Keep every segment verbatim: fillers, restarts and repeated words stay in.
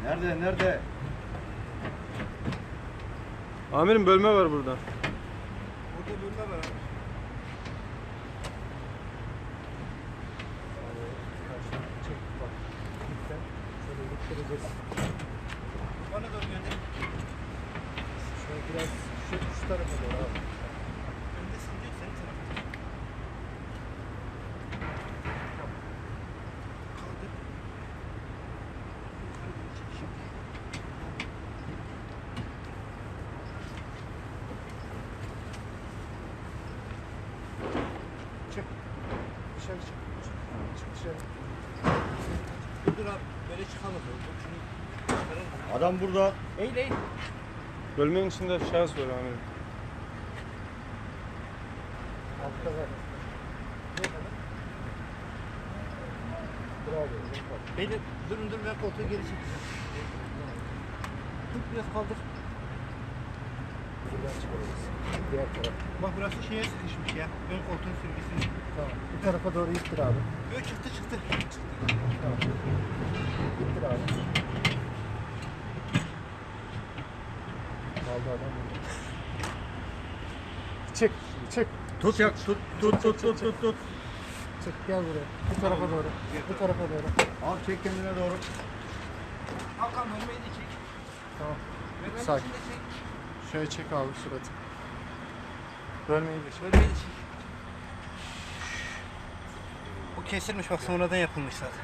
Nerede, nerede? Amirim bölme var burada. Burada bölme var. Bana doğru gönder. Şöyle biraz şu, şu tarafa doğru abi. Öndesin diyor, senin tarafın. Kaldır. Çık. Dışarı çık. Çık dışarı. Dur dur abi, böyle çıkamaz. Şunu çıkaralım. Adam burada. Eğil eğil. Bölmenin içinde şahıs var amirim. Altta var. Ne kadar? Bravo. Beyler durun dur, ben koltuğu geri çekeceğim. Tut biraz kaldır. Buradan çıkarırız. Diğer taraf. Bak burası şeye sıkışmış ya. Ön koltuğun sürgüsü. Tamam. Bu tarafa doğru ittir abi. Böyle çıktı çıktı. Tamam. İttir abi. Kaldı adam burada. Çık. Çık. Tut yak tut tut tut tut tut tut. Çık. Gel buraya. Bu tarafa doğru. Bu tarafa doğru. Al çek kendine doğru. Hakan bölmeyi de çek. Tamam. Bölmenin Sakin. içinde çek. Şöyle çek abi suratı. Bölmeyi de çek. Bölmeyi de çek. Bu kesilmiş bak, sonradan yapılmış zaten.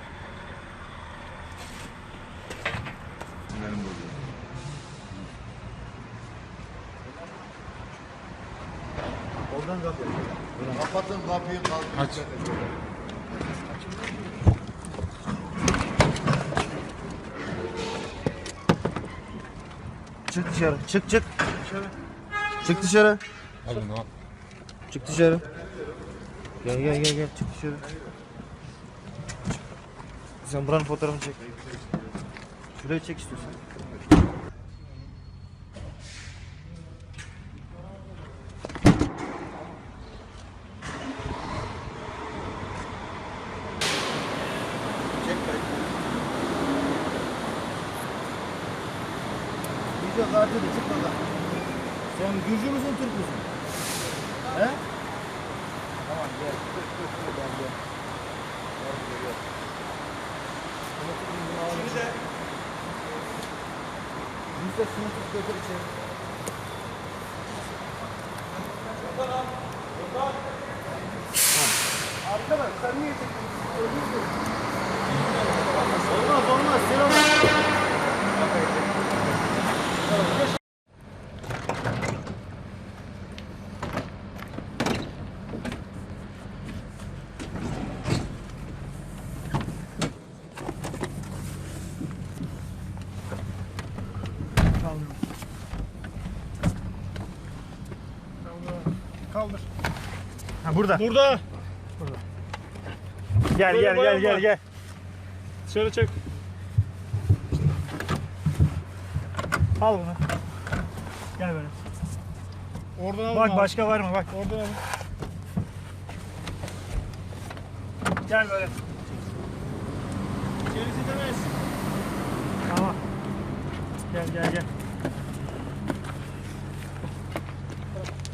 Oradan kapıyı. Kapatın kapıyı kalk. Aç. Çık dışarı. Çık çık. Çık dışarı. Abi ne yap? Çık dışarı. Gel gel gel gel çık dışarı. Sen buranın fotoğrafını çek. Şurayı çek istiyorsan. Çek kayıt. Video kartı da çık bakalım. Sen Gürcü müsün, Türk müsün? He? Tamam gel. Dur dur dur ben gel. Gel buraya gel. Şimdi de Yüzde sınıf götür içeri. Arkadaş sen niye çekiyorsun? Olmaz olmaz sen olmaz. Kaldır. Ha burada. Burada. Gel Böyle gel bayan gel gel var. gel. Dışarı çek. Al bunu. Gel böyle. Oradan al. Bak başka var mı bak. Oradan al. Gel böyle. Gerisi demez. Tamam. Gel gel gel.